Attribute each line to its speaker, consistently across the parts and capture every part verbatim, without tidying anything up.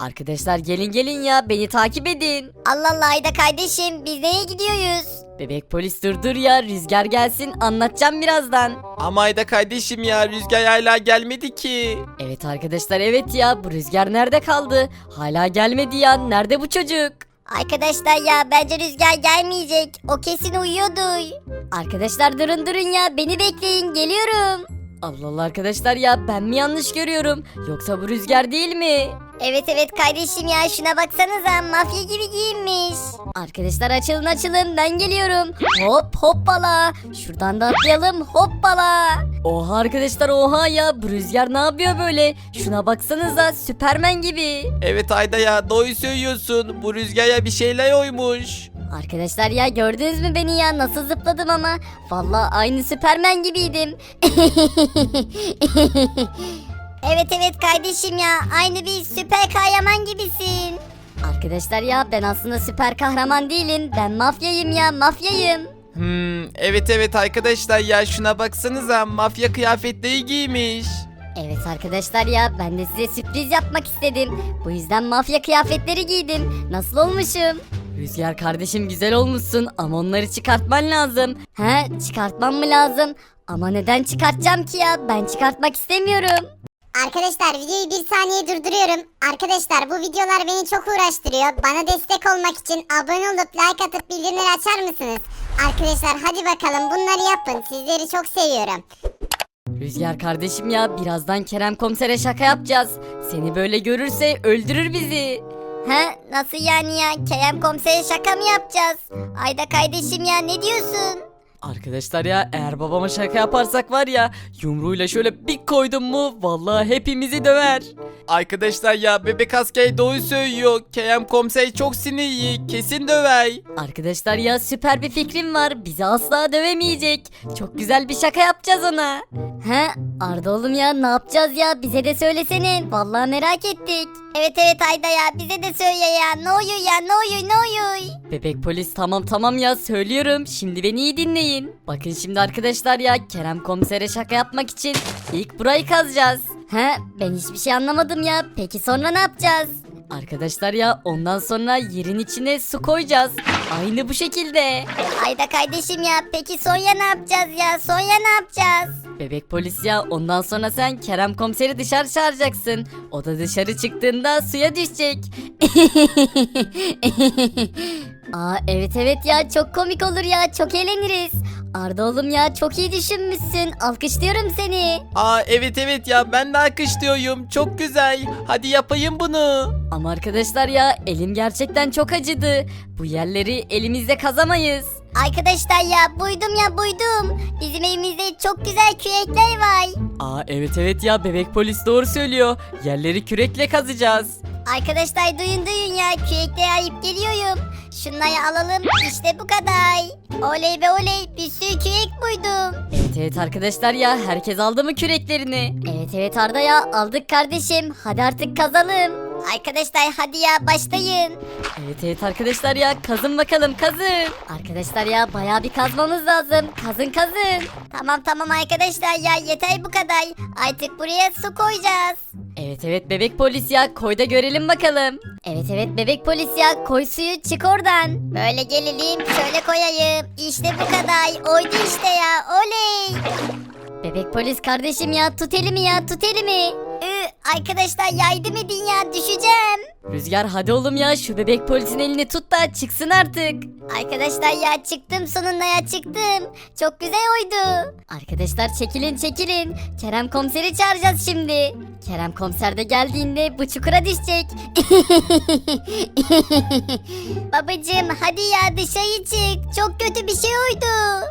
Speaker 1: Arkadaşlar gelin gelin ya beni takip edin.
Speaker 2: Allah Allah Ayda kardeşim biz nereye gidiyoruz?
Speaker 1: Bebek polis dur dur ya Rüzgar gelsin anlatacağım birazdan.
Speaker 3: Ama Ayda kardeşim ya Rüzgar hala gelmedi ki.
Speaker 1: Evet arkadaşlar evet ya bu Rüzgar nerede kaldı? Hala gelmedi ya nerede bu çocuk?
Speaker 2: Arkadaşlar ya bence Rüzgar gelmeyecek. O kesin uyuyordu. Arkadaşlar durun durun ya beni bekleyin geliyorum.
Speaker 1: Allah Allah arkadaşlar ya ben mi yanlış görüyorum? Yoksa bu Rüzgar değil mi?
Speaker 2: Evet evet kardeşim ya şuna baksanıza mafya gibi giyinmiş. Arkadaşlar açılın açılın ben geliyorum. Hop hoppala. Şuradan da atlayalım hoppala.
Speaker 1: Oha arkadaşlar oha ya bu Rüzgar ne yapıyor böyle? Şuna baksanıza Süpermen gibi.
Speaker 3: Evet Ayda ya doğru söylüyorsun. Bu Rüzgar'a bir şeyler oymuş.
Speaker 2: Arkadaşlar ya gördünüz mü beni ya nasıl zıpladım ama. Vallahi aynı Süpermen gibiydim. Evet evet kardeşim ya aynı bir süper kahraman gibisin. Arkadaşlar ya ben aslında süper kahraman değilim. Ben mafyayım ya mafyayım.
Speaker 3: Hmm, evet evet arkadaşlar ya şuna baksanıza mafya kıyafetleri giymiş.
Speaker 2: Evet arkadaşlar ya ben de size sürpriz yapmak istedim. Bu yüzden mafya kıyafetleri giydim. Nasıl olmuşum?
Speaker 1: Rüzgar kardeşim güzel olmuşsun ama onları çıkartman lazım.
Speaker 2: He çıkartmam mı lazım? Ama neden çıkartacağım ki ya? Ben çıkartmak istemiyorum.
Speaker 4: Arkadaşlar videoyu bir saniye durduruyorum. Arkadaşlar bu videolar beni çok uğraştırıyor. Bana destek olmak için abone olup like atıp bildirimleri açar mısınız? Arkadaşlar hadi bakalım bunları yapın. Sizleri çok seviyorum.
Speaker 1: Rüzgar kardeşim ya birazdan Kerem komisere şaka yapacağız. Seni böyle görürse öldürür bizi.
Speaker 2: He nasıl yani ya? Kerem komisere şaka mı yapacağız? Ayda kardeşim ya ne diyorsun?
Speaker 1: Arkadaşlar ya eğer babama şaka yaparsak var ya yumruğuyla şöyle bir koydum mu vallahi hepimizi döver.
Speaker 3: Arkadaşlar ya bebek asker doğru söylüyor. Kerem komiser çok sinirli. Kesin döver.
Speaker 1: Arkadaşlar ya süper bir fikrim var bizi asla dövemeyecek. Çok güzel bir şaka yapacağız ona.
Speaker 2: He Arda oğlum ya ne yapacağız ya? Bize de söylesene. Vallahi merak ettik. Evet evet Ayda ya bize de söyle ya. Ne oluyor ya ne oluyor ne oluyor?
Speaker 1: Bebek polis tamam tamam ya söylüyorum şimdi beni iyi dinleyin. Bakın şimdi arkadaşlar ya Kerem komisere şaka yapmak için ilk burayı kazacağız.
Speaker 2: He ben hiçbir şey anlamadım ya. Peki sonra ne yapacağız?
Speaker 1: Arkadaşlar ya ondan sonra yerin içine su koyacağız. Aynı bu şekilde.
Speaker 2: Ayda kardeşim ya peki Sonya ne yapacağız ya? Sonya ne yapacağız?
Speaker 1: Bebek polis ya ondan sonra sen Kerem komiseri dışarı çağıracaksın. O da dışarı çıktığında suya düşecek.
Speaker 2: Aa evet evet ya çok komik olur ya çok eğleniriz. Arda oğlum ya çok iyi düşünmüşsün. Alkışlıyorum seni.
Speaker 3: Aa evet evet ya ben de alkışlıyorum. Çok güzel. Hadi yapayım bunu.
Speaker 1: Ama arkadaşlar ya elim gerçekten çok acıdı. Bu yerleri elimizle kazamayız.
Speaker 2: Arkadaşlar ya buydum ya buydum. Bizim evimizde çok güzel kürekler var.
Speaker 1: Aa evet evet ya bebek polis doğru söylüyor. Yerleri kürekle kazacağız.
Speaker 2: Arkadaşlar duyun duyun ya kürekleri ayıp geliyorum. Şunları alalım işte bu kadar. Oley be oley bir sürü kürek buydum.
Speaker 1: Evet evet arkadaşlar ya herkes aldı mı küreklerini?
Speaker 2: Evet evet Arda ya aldık kardeşim. Hadi artık kazalım. Arkadaşlar hadi ya başlayın.
Speaker 1: Evet evet arkadaşlar ya kazın bakalım kazın.
Speaker 2: Arkadaşlar ya bayağı bir kazmamız lazım. Kazın kazın. Tamam tamam arkadaşlar ya yeter bu kadar. Artık buraya su koyacağız.
Speaker 1: Evet evet bebek polis ya koy da görelim bakalım.
Speaker 2: Evet evet bebek polis ya koy suyu çık oradan. Böyle gelelim şöyle koyayım. İşte bu kadar. Oydu işte ya oley. Bebek polis kardeşim ya tut elimi ya tut elimi. Ü, arkadaşlar yardım edin ya düşeceğim.
Speaker 1: Rüzgar hadi oğlum ya şu bebek polisin elini tut da çıksın artık.
Speaker 2: Arkadaşlar ya çıktım sonunda ya çıktım. Çok güzel oydu. Arkadaşlar çekilin çekilin. Kerem komiseri çağıracağız şimdi. Kerem komiser de geldiğinde bu çukura düşecek. Babacım hadi ya dışarı çık. Çok kötü bir şey oydu.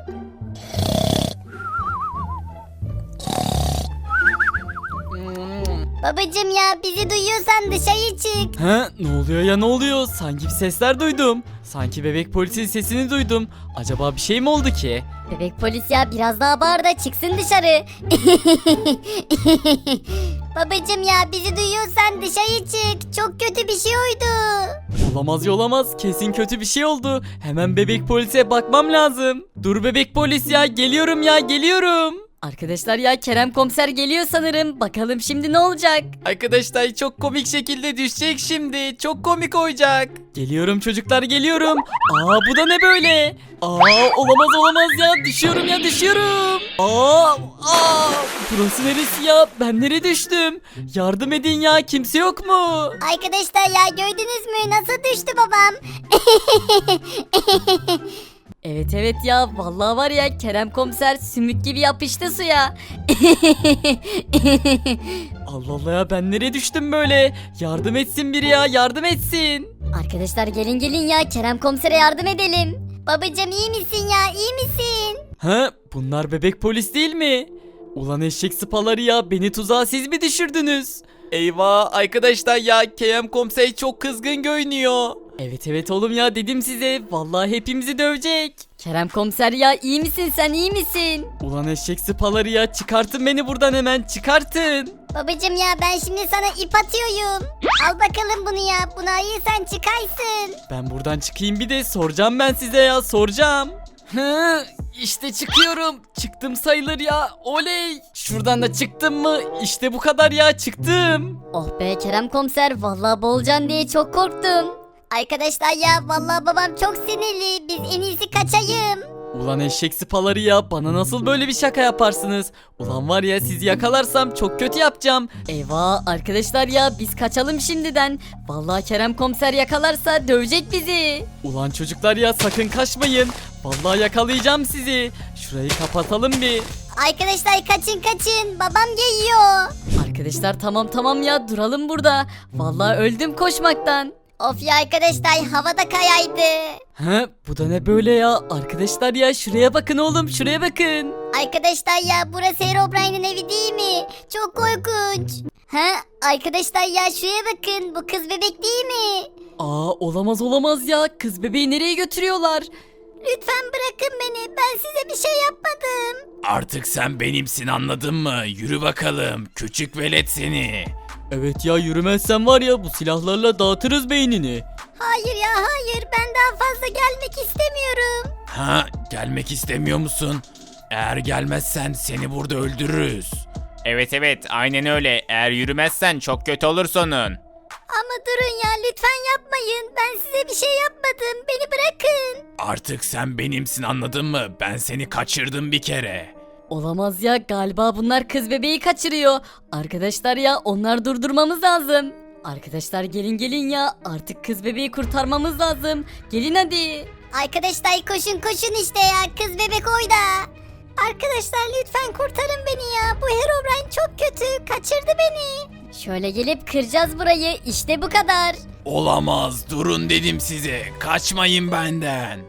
Speaker 2: Babacım ya bizi duyuyorsan dışarı çık.
Speaker 5: He, ne oluyor ya ne oluyor? Sanki bir sesler duydum. Sanki bebek polisin sesini duydum. Acaba bir şey mi oldu ki?
Speaker 2: Bebek polis ya biraz daha bağır da çıksın dışarı. Babacım ya bizi duyuyorsan dışarı çık. Çok kötü bir şey oydu.
Speaker 5: Olamaz ya olamaz. Kesin kötü bir şey oldu. Hemen bebek polise bakmam lazım. Dur bebek polis ya geliyorum ya geliyorum.
Speaker 1: Arkadaşlar ya Kerem komiser geliyor sanırım. Bakalım şimdi ne olacak?
Speaker 3: Arkadaşlar çok komik şekilde düşecek şimdi. Çok komik olacak.
Speaker 5: Geliyorum çocuklar geliyorum. Aa bu da ne böyle? Aa olamaz olamaz ya düşüyorum ya düşüyorum. Aa, aa burası neresi ya? Ben nereye düştüm? Yardım edin ya kimse yok mu?
Speaker 2: Arkadaşlar ya gördünüz mü nasıl düştü babam?
Speaker 1: Evet evet ya vallahi var ya Kerem komiser sümük gibi yapıştı suya.
Speaker 5: Allah Allah ya ben nereye düştüm böyle? Yardım etsin biri ya yardım etsin.
Speaker 2: Arkadaşlar gelin gelin ya Kerem komisere yardım edelim. Babacım iyi misin ya iyi misin?
Speaker 5: Ha bunlar bebek polis değil mi? Ulan eşek sıpaları ya beni tuzağa siz mi düşürdünüz?
Speaker 3: Eyvah arkadaşlar ya Kerem komiser çok kızgın görünüyor.
Speaker 5: Evet evet oğlum ya dedim size vallahi hepimizi dövecek.
Speaker 1: Kerem komiser ya iyi misin sen iyi misin?
Speaker 5: Ulan eşek sıpaları ya çıkartın beni buradan hemen çıkartın.
Speaker 2: Babacım ya ben şimdi sana ip atıyorum. Al bakalım bunu ya bunu ayırsan çıkarsın.
Speaker 5: Ben buradan çıkayım bir de soracağım ben size ya soracağım.
Speaker 3: Hı, işte çıkıyorum. Çıktım sayılır ya. Oley.
Speaker 5: Şuradan da çıktım mı? İşte bu kadar ya çıktım.
Speaker 1: Oh be Kerem komiser vallahi boğulacaksın diye çok korktum.
Speaker 2: Arkadaşlar ya vallahi babam çok sinirli. Biz en iyisi kaçayım.
Speaker 5: Ulan eşek sıpaları ya bana nasıl böyle bir şaka yaparsınız? Ulan var ya sizi yakalarsam çok kötü yapacağım.
Speaker 1: Eyvah arkadaşlar ya biz kaçalım şimdiden. Vallahi Kerem komiser yakalarsa dövecek bizi.
Speaker 5: Ulan çocuklar ya sakın kaçmayın. Vallahi yakalayacağım sizi. Şurayı kapatalım bir.
Speaker 2: Arkadaşlar kaçın kaçın babam geliyor.
Speaker 1: Arkadaşlar tamam tamam ya duralım burada. Vallahi öldüm koşmaktan.
Speaker 2: Of ya arkadaşlar havada kayaydı.
Speaker 5: He bu da ne böyle ya? Arkadaşlar ya şuraya bakın oğlum şuraya bakın.
Speaker 2: Arkadaşlar ya burası Herobrine'in evi değil mi? Çok korkunç. Ha arkadaşlar ya şuraya bakın bu kız bebek değil mi?
Speaker 1: Aa olamaz olamaz ya kız bebeği nereye götürüyorlar?
Speaker 2: Lütfen bırakın beni ben size bir şey yapmadım.
Speaker 3: Artık sen benimsin anladın mı? Yürü bakalım. Küçük velet seni.
Speaker 5: Evet ya yürümezsen var ya bu silahlarla dağıtırız beynini.
Speaker 2: Hayır ya hayır ben daha fazla gelmek istemiyorum.
Speaker 3: Ha, gelmek istemiyor musun? Eğer gelmezsen seni burada öldürürüz. Evet evet aynen öyle. Eğer yürümezsen çok kötü olur sonun.
Speaker 2: Ama durun ya lütfen yapmayın. Ben size bir şey yapmadım. Beni bırakın.
Speaker 3: Artık sen benimsin anladın mı? Ben seni kaçırdım bir kere.
Speaker 1: Olamaz ya galiba bunlar kız bebeği kaçırıyor. Arkadaşlar ya onlar durdurmamız lazım. Arkadaşlar gelin gelin ya artık kız bebeği kurtarmamız lazım. Gelin hadi.
Speaker 2: Arkadaşlar koşun koşun işte ya. Kız bebek oyda. Arkadaşlar lütfen kurtarın beni ya. Bu Herobrine çok kötü. Kaçırdı beni.
Speaker 1: Şöyle gelip kıracağız burayı işte bu kadar.
Speaker 3: Olamaz durun dedim size. Kaçmayın benden.